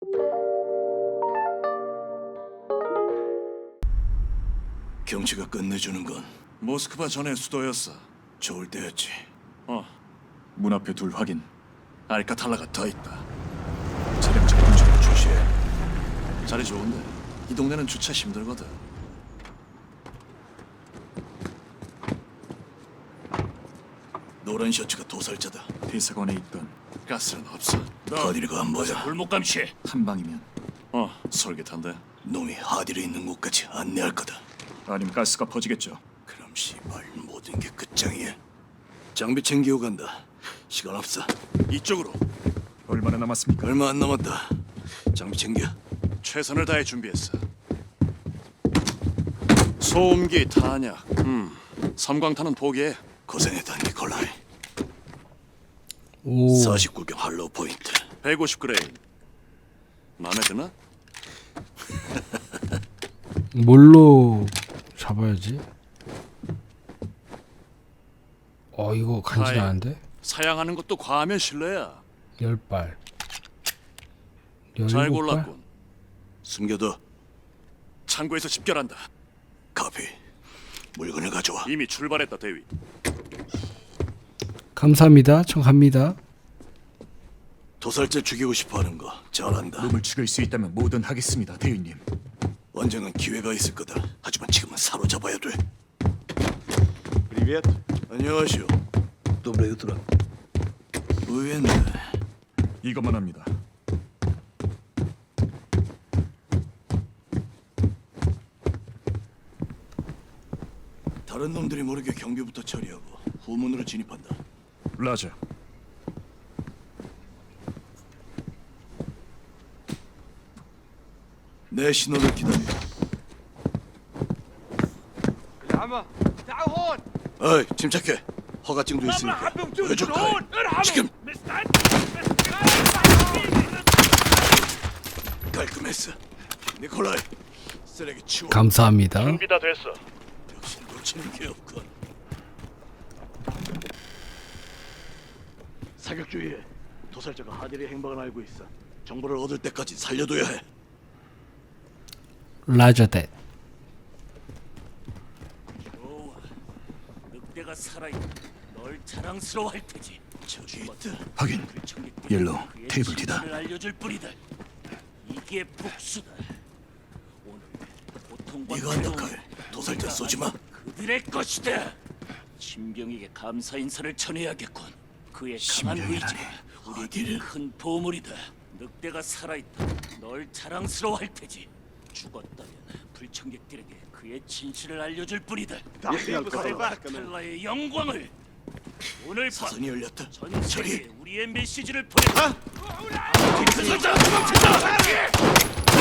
경치가 끝내주는 건 모스크바 전의 수도였어. 좋을 때였지. 문 앞에 둘 확인. 알카탈라가 더 있다. 차량 접근 중 조심해. 자리 좋은데 이 동네는 주차 힘들거든. 노란 셔츠가 도살자다. 대사관에 있던 가스는 없어. 하디르가 안 보여. 골목 감시. 한 방이면 솔깃한데. 놈이 하디르 있는 곳까지 안내할 거다. 아니면 가스가 퍼지겠죠. 그럼 씨발 모든 게 끝장이야. 장비 챙기고 간다. 시간 없어. 이쪽으로. 얼마나 남았습니까? 얼마 안 남았다. 장비 챙겨. 최선을 다해 준비했어. 소음기, 탄약. 섬광탄은 포기해. 고생했다 니콜라이. 오. 49경 할로우 포인트. 150그레인. 마음에 드나? 뭘로 잡아야지? 이거 간지나는데? 사양하는 것도 과하면 실례야. 10발. 잘 17발? 골랐군. 숨겨둬. 창고에서 집결한다. 카피. 물건을 가져와. 이미 출발했다, 대위. 감사합니다. 전 갑니다. 도살자 죽이고 싶어하는 거 잘한다. 놈을 죽일 수 있다면 뭐든 하겠습니다, 대위님. 언젠간 기회가 있을 거다. 하지만 지금은 사로잡아야 돼. Привет. 안녕하시오. Доброе утро. 의외네. 이것만 합니다. 다른 놈들이 모르게 경비부터 처리하고 후문으로 진입한다. 라자. 내 신호를 기다려. العمى تعالوا هون. 어이, 침착해. 허가증도 있으니까. 보여줄 거야. 지금. 깔끔했어. 니콜라이, 쓰레기 치워. 감사합니다. 준비 다 됐어. 역시 놓치는 게 없군. 사격 주의해. 도살자가 하디르의 행방을 알고 있어. 정보를 얻을 때까지 살려둬야 해. 라저댓. 좋아. 늑대가 살아있다. 널 자랑스러워할 테지. 저기 있다. 확인. 청객들이 옐로우, 그의 테이블 뒤다. 진실을 알려줄 뿐이다. 이게 복수다. 오늘 고통과 네가 한다, 괴로움을 칼. 도살자 쏘지 마. 그들의 것이다. 신병에게 감사 인사를 전해야겠군. 그의 강한 신병이라니. 의지가 우리에게 큰 보물이다. 늑대가 살아있다. 널 자랑스러워할 테지. 죽었다면 불청객들에게 그의 진실을 알려줄 뿐이다. 탈라의 영광을 오늘 밤 사선이 열렸다. 전 저리. 세계에 우리의 메시지를 보내. 도살자 도망친다.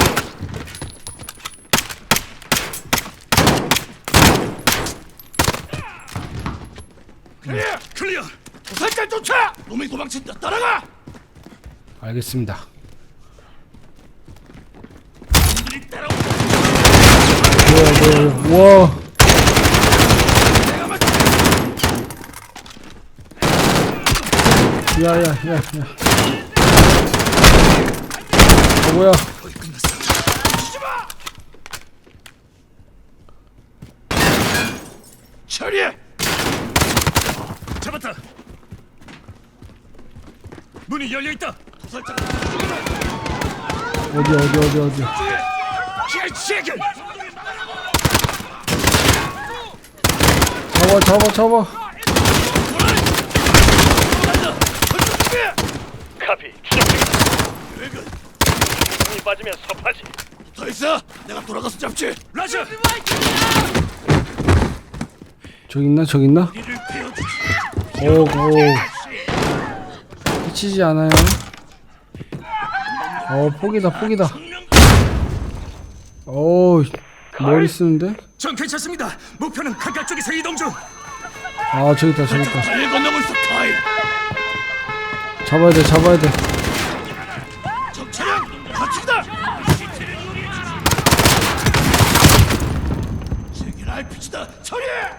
클리어. 도살자 쫓아. 놈이 도망친다. 따라가. 알겠습니다. 뭐야. 와. 야야야야. 뭐야? 거의 끝났어. 처리해. 잡았다. 문이 열려 있다. 도살자. 어디. 잡아. 카피. 계획은 힘이 빠지면 섭하지. 더 있어. 내가 돌아가서 잡지. 라자. 저기 있나? 이를 베어주지. 오. 미치지 않아요. 포기다. 머리 쓰는데? 전 괜찮습니다. 목표는 강가 쪽에서 이동 중. 저기 있다. 잘 건너고 있어, 카이. 잡아야 돼. 적차량 가축이다. 제길 RPG다. 처리해.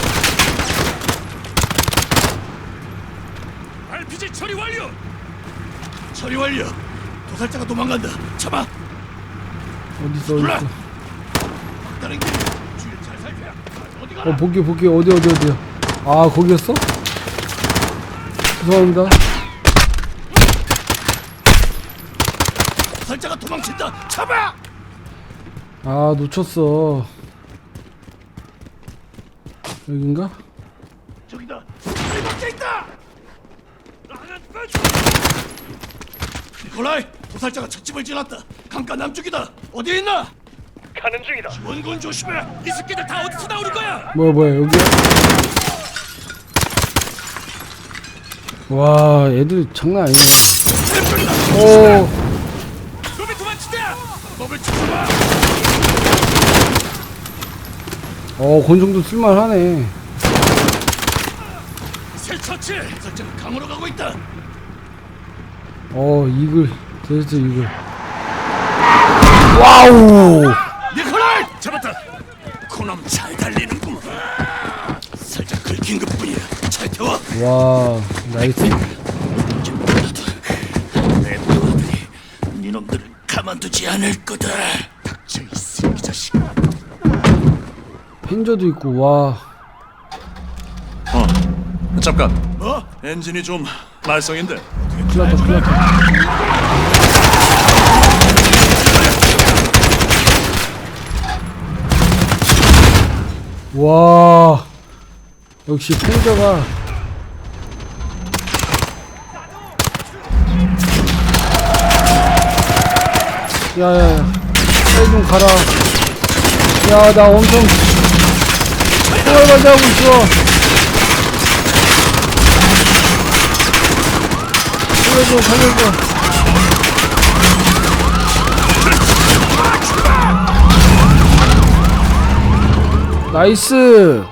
RPG 처리 완료. 처리 완료. 도살자가 도망간다. 잡아. 어딨어 몰라. 어딨어. 다른 길. 주위를 잘 살펴. 어디 가라. 보기 어디야. 아 거기였어? 죄송합니다. 도살자가 도망친다. 잡아. 아 놓쳤어. 여긴가? 저기다. 이밖에 있다. 니콜라이, 도살자가 찻집을 지났다. 강가 남쪽이다. 어디에 있나? 가는 중이다. 원군 조심해. 이 새끼들 다 어디서 나오는 거야? 뭐야 여기야? 와 애들 장난 아니네. 오 놈이 도망친다. 법을 찾아봐. 권총도 쓸만하네. 새 처치. 도살자가 강으로 가고 있다. 이글 데스트 이글. 와우. 니콜라이, 잡았다. 그놈 잘 달리는구만. 살짝 긁힌 것뿐이야. 잘 태워. 와 나이스. 내 부하들이 니놈들을 가만두지 않을 거다. 닥쳐 이 새끼 자식. 펜저도 있고 와. 잠깐. 뭐? 엔진이 좀 말썽인데. 큰일났다. 와 역시 펜저가 야야야 빨리 좀 가라. 야 나 엄청 총알바지 하고 있어. 살려줘. 나이스.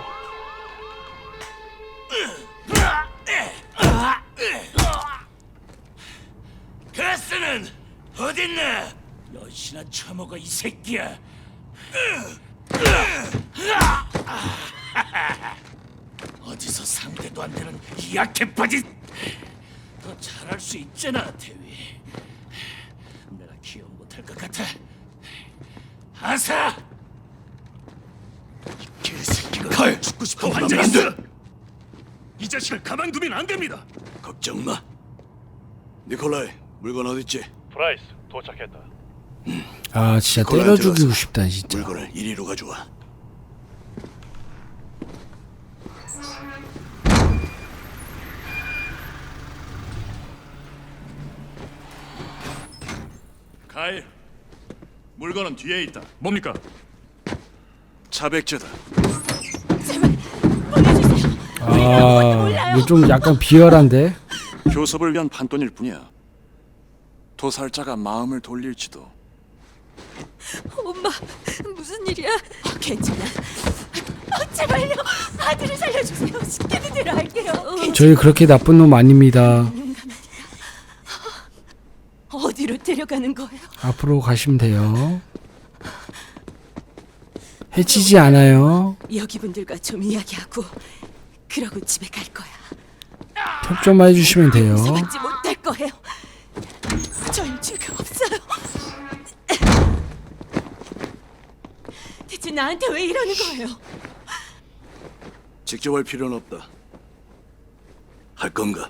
가스는 어딨나? 몇이나 처먹어 이 새끼야. 어디서 상대도 안 되는 이 약해 빠진. 더 잘할 수 있잖아, 대위. 내가 기억 못할 것 같아. 아사! 이 개새끼가 칼 죽고 싶어 환장 안 돼. 이 자식을 가만두면 안 됩니다. 걱정 마. 니콜라이, 물건 어딨지? 프라이스 도착했다. 아 진짜 때려 죽이고 싶다 진짜. 물건을 이리로 가져와. 카일, 물건은 뒤에 있다. 뭡니까? 차백제다. 아 이거 좀 약간 비열한데. 교섭을 위한 판돈일 뿐이야. 도살자가 마음을 돌릴지도. 엄마, 무슨 일이야? 괜찮아. 제발요, 아들을 살려주세요. 시키는 대로 할게요. 저희 그렇게 나쁜 놈 아닙니다. 어디로 데려가는 거예요? 앞으로 가시면 돼요. 해치지 않아요. 여기 분들과 좀 이야기하고 그러고 집에 갈 거야. 협조만 해주시면 돼요. 용서받지 못할 거예요. 전 죄가 없어요. 대체 나한테 왜 이러는 거예요? 직접 할 필요는 없다. 할 건가?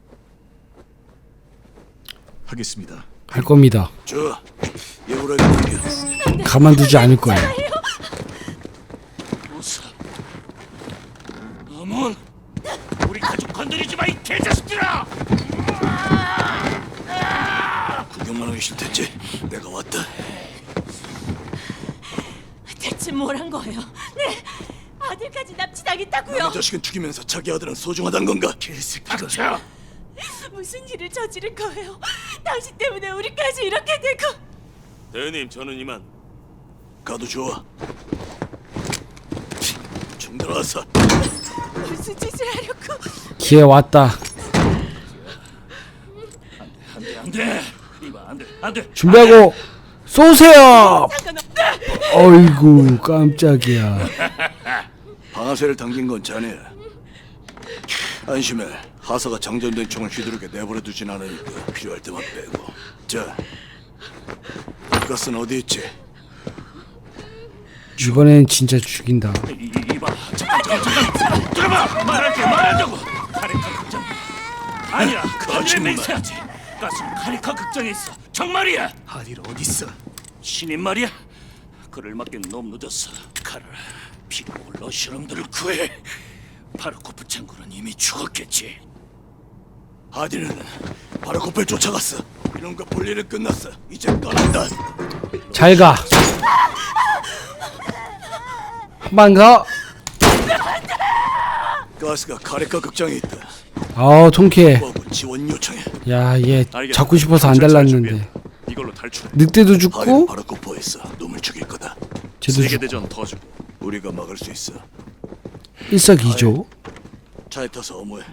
하겠습니다. 할 겁니다. 저 예우라게 넘겨. 가만두지 않을 거예요. 우사. 어문. 우리 가족 건드리지 마 이 개자식들아. 구경만 하기 싫댔지. 내가 왔다. 대체 뭘 한 거예요? 네, 아들까지 납치당했다고요. 남의 자식은 죽이면서 자기 아들은 소중하단 건가? 개새끼가. 닥쳐. 무슨 일을 저지른 거예요? 당신 때문에 우리까지 이렇게 되고. 대위님, 저는 이만. 가도 좋아. 총 들어와서. 무슨 짓을 하려고? 기회 왔다. 안돼. 이봐 안돼 안돼. 준비하고 쏘세요. 어이구 깜짝이야. 방아쇠를 당긴 건 자네야. 안심해. 하사가 장전된 총을 휘두르게 내버려 두진 않으니까 필요할 때만 빼고. 자, 가스는 어디 있지? 이번엔 진짜 죽인다. 이봐, 잠깐, 들어봐. 말한다고. 카리카 극장. 아니야, 하늘에 맹세하지. 가스는 카리카 극장에 있어. 정말이야. 하딜 어디 있어? 신인 말이야. 그를 맡긴 너무 늦었어. 카라, 필요한 러시아놈들을 구해. 바르코프 창고는 이미 죽었겠지. 하딜은 바르코프를 쫓아갔어. 이놈과 볼 일은 끝났어. 이제 떠난다. 잘 가. 한 번 가. 가스가 카레카 극장에 있다. 아우 통쾌해. 뭐하고 지원 요청해. 야, 얘 알겠어. 잡고 싶어서 안 잘 달랐는데. 준비해. 이걸로 탈출해. 늑대도 하딜은 죽고 바르코프에 있어. 놈을 죽일 거다. 쟤도 세계 죽고. 대전 더 주. 우리가 막을 수 있어. 일석이조. 차에 타서 어모해.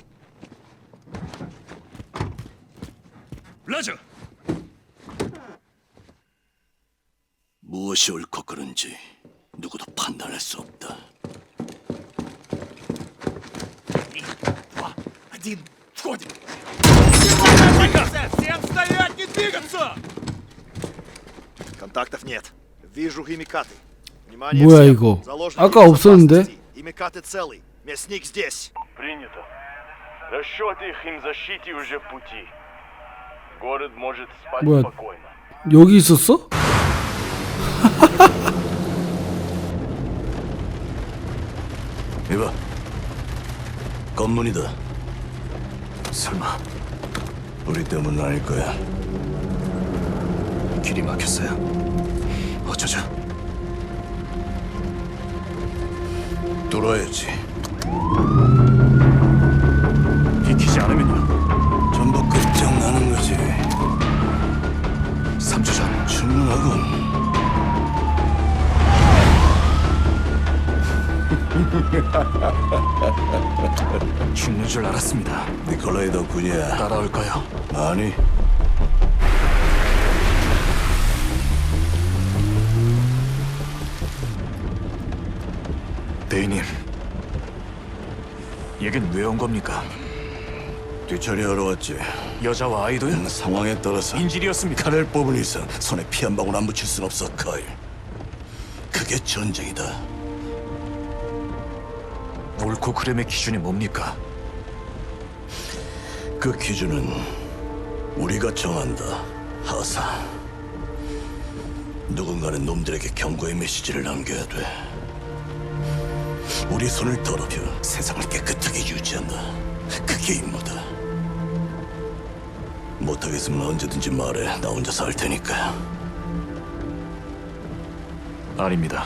라저. 무엇이 옳고 그른지 누구도 판단할 수 없다. Контактов нет. Вижу химикаты. Внимание 뭐야 всем. 이거? Заложники 아까 없었는데? безопасности. Химикаты целый. Мясник здесь. Принято. Расчеты их химзащите уже в пути. Город может спать 뭐야? спокойно. 여기 있었어? 이봐, 검문이다. 설마 우리 때문은 아닐 거야. 길이 막혔어요. 어쩌죠? 뚫어야지. 비키지 않으면요. 전부 끝장나는 거지. 3주 전 충분하군. 죽는 줄 알았습니다. 니콜라이 덕분이야. 따라올까요? 아니. 대인님, 얘긴 왜 온 겁니까? 뒤처리하러 왔지. 여자와 아이도요? 상황에 따라서 인질이었습니까? 칼을 뽑을 이상 손에 피 한 방울 안 묻힐 순 없어, 카일. 그게 전쟁이다. 옳고 그름의 기준이 뭡니까? 그 기준은 우리가 정한다, 하사. 누군가는 놈들에게 경고의 메시지를 남겨야 돼. 우리 손을 더럽혀 세상을 깨끗하게 유지한다. 그게 임무다. 못하겠으면 언제든지 말해. 나 혼자서 할 테니까. 아닙니다.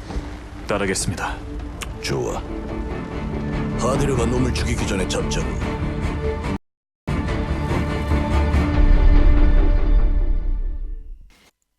따르겠습니다. 좋아. 하디르가 놈을 죽이기 전에 잡자고.